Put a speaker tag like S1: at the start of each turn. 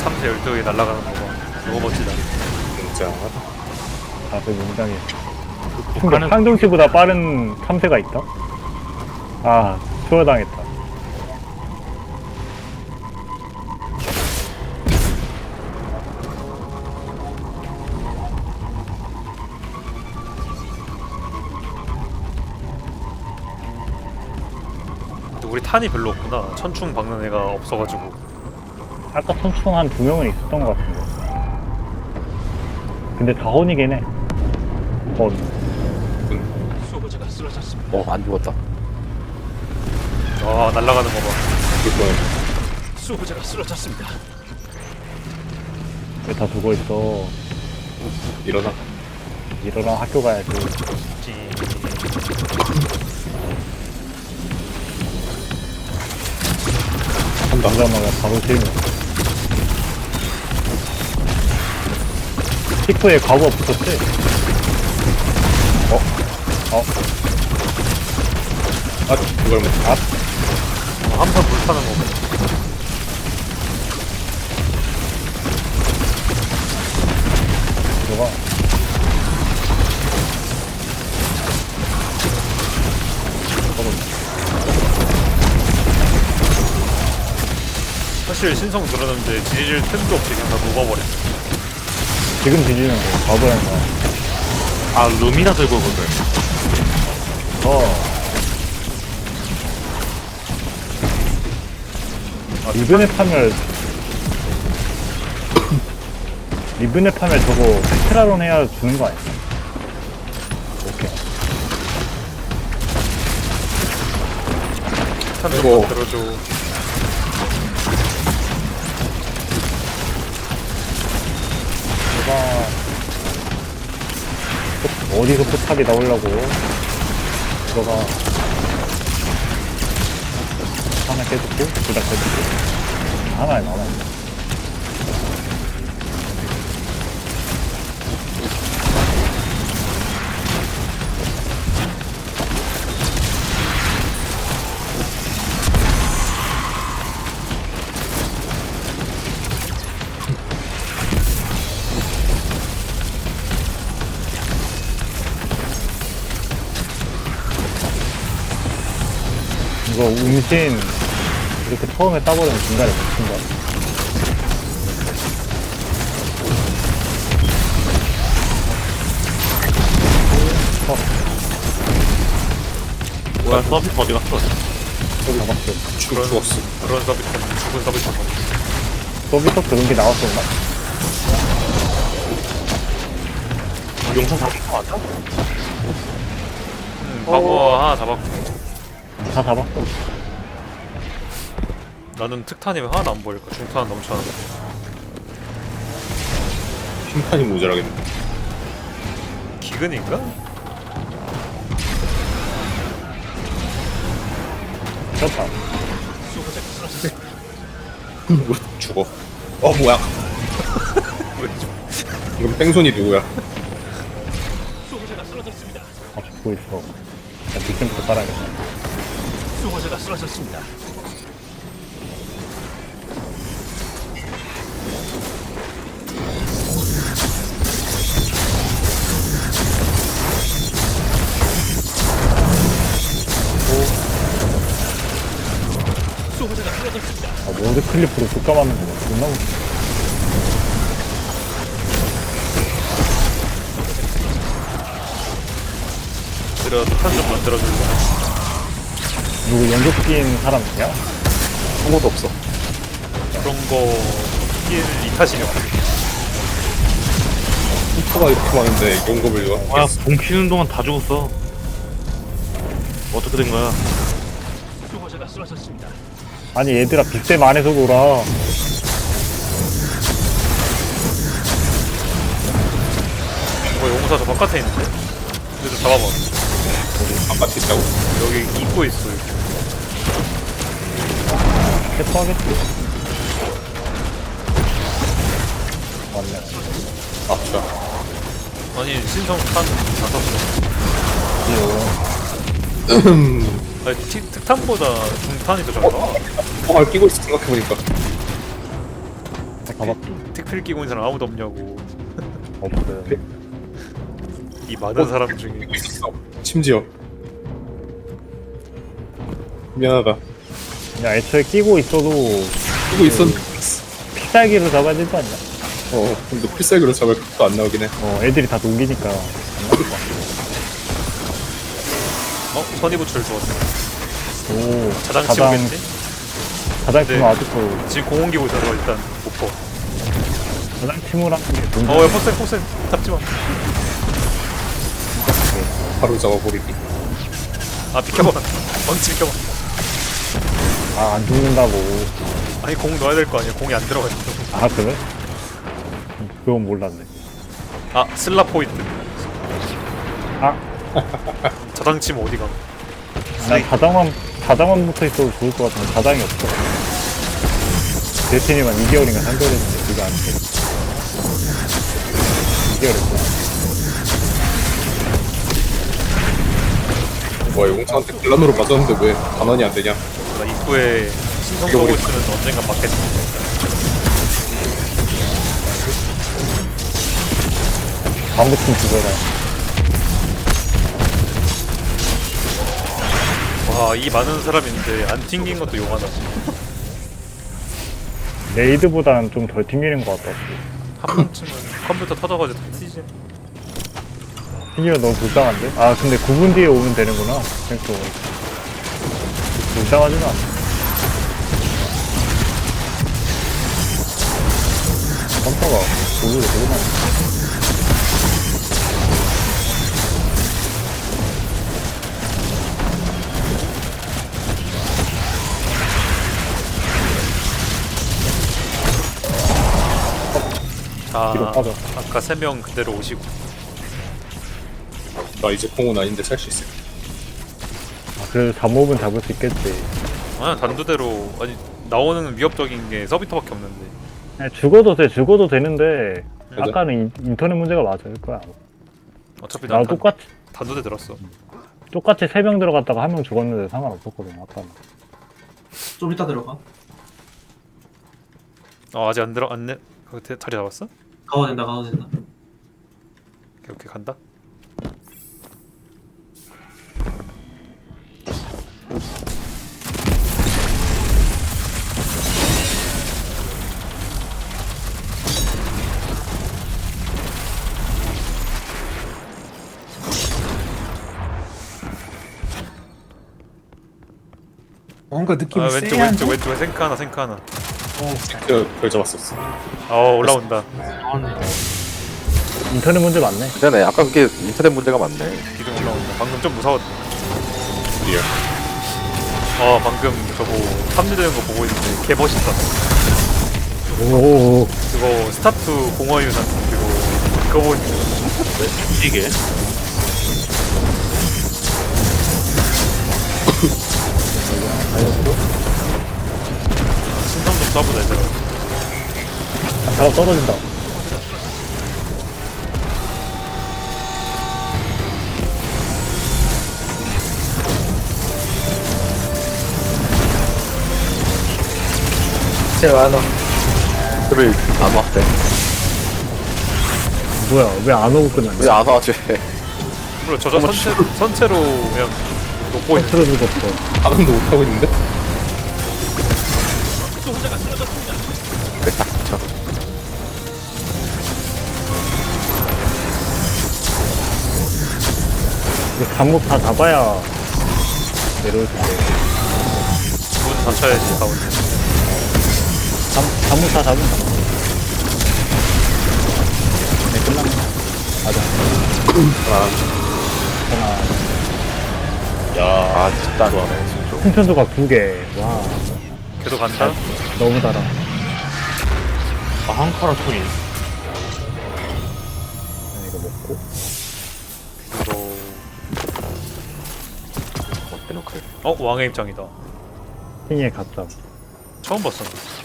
S1: 참새 12개 날아가는 거 봐. 너무 멋지다.
S2: 진짜.
S3: 다들 농장에 상종씨보다 빠른 참새가 있다? 아, 추월당했다.
S1: 근데 우리 탄이 별로 없구나. 천충 박는 애가 없어가지고.
S3: 아까 천충 한 2명은 있었던 것 같은데. 근데 다 혼이긴 해. 혼.
S4: 수호자가 쓰러졌습니다.
S2: 안 죽었다.
S1: 아 날아가는 거 봐.
S2: 이건
S4: 수호자가 쓰러졌습니다.
S3: 왜 다 죽어있어.
S2: 일어나.
S3: 일어나 학교 가야지.
S1: 찌.
S2: 한다.
S3: 오자마자 바로 실명. 피크에 과거 붙었지?
S2: 그걸 못.
S1: 한판 불타는 거 봐.
S3: 들어가.
S1: 사실 신성 들었는데 뒤질 틈도 없이 그냥 다 녹아버렸어.
S3: 지금 뒤지는 거, 바보야, 인가.
S5: 아 룸이나 들고 오거든.
S3: 리븐에 파멸 리븐에 파멸 저거 테라론 해야 주는 거 아니야? 오케이.
S1: 탄
S2: 이거.
S1: 좀 들어줘.
S3: 제가 어디서 포탑이 나오려고 들어가 하나 깨졌고 둘 다 깨졌고 하나에 남아있네. 이거 음신 이렇게 처음에 따버리면 중간에 못 친다.
S5: 뭐야 서비스 어디 갔어?
S3: 저기 잡았어.
S2: 죽었어.
S1: 그런 서비스, 죽은 서비스.
S3: 서비스 그런 게 나왔었나?
S5: 용산 잡은 거 맞아?
S1: 바보 하나 잡았고.
S3: 다 잡았어.
S1: 나는 특탄이 왜 하나도 안 보일까? 중탄은 넘쳐나는데.
S2: 심판이 모자라겠네.
S1: 기근인가?
S3: 그렇다.
S4: 수호자가 쓰러졌습니다.
S2: 죽어. 뭐야? 이건 뺑소니 누구야?
S4: 수호자가 쓰러졌습니다.
S3: 아, 죽고 있어. 나 뒷점부터 깔아야겠다.
S4: 수호자가 쓰러졌습니다. 수호자가 쓰러졌습니다.
S3: 아, 모드 클리프로 쭉 감았는 거 존나 웃기네.
S1: 들어 특탄 좀 만들어줄래?
S3: 누구 연속 끼인 사람 있냐?
S2: 아무것도 없어.
S1: 그런 거 스킬 이 탓이면
S2: 슈퍼가 이렇게 많은데 용검을 이거.
S5: 뭐야 봉 키는 동안 다 죽었어. 어떻게 된 거야?
S4: 수호자가 쓰러졌습니다.
S3: 아니 얘들아 빅댐 안에서 놀아.
S1: 용사 저 바깥에 있는데? 근데 좀 잡아봐.
S2: 바깥에 있다고?
S1: 여기 입고 있어. 여기.
S3: 캐터하겠지. 맞네.
S2: 진짜.
S1: 아니 신성 탄 다 썼어.
S3: 귀여워.
S1: 아니 특탄보다 중탄이 더 잘 나와.
S2: 끼고 있어 생각해보니까.
S1: 특필 끼고 있는 사람 아무도 없냐고.
S3: 없어요.
S1: 이 많은 사람 중에.
S2: 있었어. 심지어. 미안하다.
S3: 그냥 애초에 끼고 있어도
S2: 쓰고 있었는데.
S3: 필살기로 잡아야 될 거 아니야?
S2: 근데 필살기로 잡을 것도 안 나오긴 해.
S3: 애들이 다 녹이니까.
S1: 선의부출 좋았어.
S3: 오,
S1: 자장 치고겠지?
S3: 가장
S1: 네.
S3: 팀은 아직도
S1: 지금 공원 기고 있어서 일단 못 봐.
S3: 가장 팀을 하는 게 뭔지
S1: 야, 폭생 잡지 마.
S2: 바로 잡아버리기.
S1: 아, 비켜봐. 망치 비켜봐.
S3: 안 죽는다고.
S1: 아니, 공 넣어야 될 거 아니야. 공이 안 들어가 있어.
S3: 아, 그래? 그건 몰랐네.
S1: 아, 슬라 포인트.
S3: 아,
S1: 자장 치면 어디가?
S3: 난 자장만 붙어 있어도 좋을 것 같은데 자장이 없어. 데스티니만 2개월인가 3개월인데 그거 안 돼. 2개월 했구나.
S2: 뭐야, 용차한테 글란으로 맞았는데 왜 반환이 안 되냐?
S1: 나 입구에 신성 쏘고 있으면 언젠가 맞겠지.
S3: 방구팀 죽어라.
S1: 와, 이 많은 사람인데 안 튕긴 것도 용하다.
S3: 레이드보다는 좀 덜 튕기는 것 같다.
S1: 한 번쯤은 컴퓨터 터져가지고 다 튀지.
S3: 튕기면 너무 불쌍한데? 아, 근데 9분 뒤에 오면 되는구나. 그래서 불쌍하지는 않아. 깜빡아. 오히려 되게 많아. 뒤로 빠져.
S1: 아까 3명 그대로 오시고.
S2: 나 이제 공은 아닌데 살 수 있을.
S3: 그래도 잠옷은 잡을 수 있겠지.
S1: 아니, 단두대로. 아니, 나오는 위협적인 게 서비터밖에 없는데.
S3: 그냥 죽어도 되는데,
S2: 맞아.
S3: 아까는 인터넷 문제가 맞을 거야.
S1: 어차피
S3: 나
S1: 난
S3: 똑같이
S1: 들었어.
S3: 3명 들어갔다가 1명 죽었는데 상관없었거든, 아까는.
S6: 좀 이따 들어가.
S1: 아직 안 내. 자리 잡았어?
S6: 가도 된다.
S1: 오케이, 간다.
S7: 뭔가 느낌이
S1: 왼쪽 생크 하나.
S2: 별 잡았었어.
S1: 올라온다.
S3: 인터넷 문제 맞네.
S8: 그러네. 아까 그게 인터넷 문제가 많네.
S1: 기둥 올라온다. 방금 좀 무서웠다.
S2: 리얼.
S1: 방금 저거 탐지되는 거 보고 있는데 개 멋있다.
S3: 오,
S1: 그거 스타투 공허유산 그거 보니까
S5: 이게
S1: 신성 좀 써보자 얘들아.
S3: 작업 떨어진다.
S7: 제일 많아.
S8: 그를 안 왔대.
S3: 뭐야, 왜 안 오고 끝났냐?
S8: 왜 안 와지?
S1: 물론 저 선체로 그냥 놓고 있는.
S3: 틀어 죽었어.
S2: 반응도 못하고 있는데?
S8: 왜 딱 붙여?
S3: 이거 잠복 다 잡아야 내려올 텐데.
S1: 문 닫혀야지 가운데.
S3: 잠복 다 잡은다. 네, 끝났네. 맞아. 하나.
S8: 아 진짜 좋아하네. 진짜.
S3: 생천도가 2개. 와,
S1: 걔도 간다.
S3: 너무 달아.
S5: 한 카라 톤이.
S3: 이거 먹고.
S1: 이거
S8: 대놓고.
S1: 왕의 입장이다.
S3: 핑에 갔다.
S1: 처음 봤어.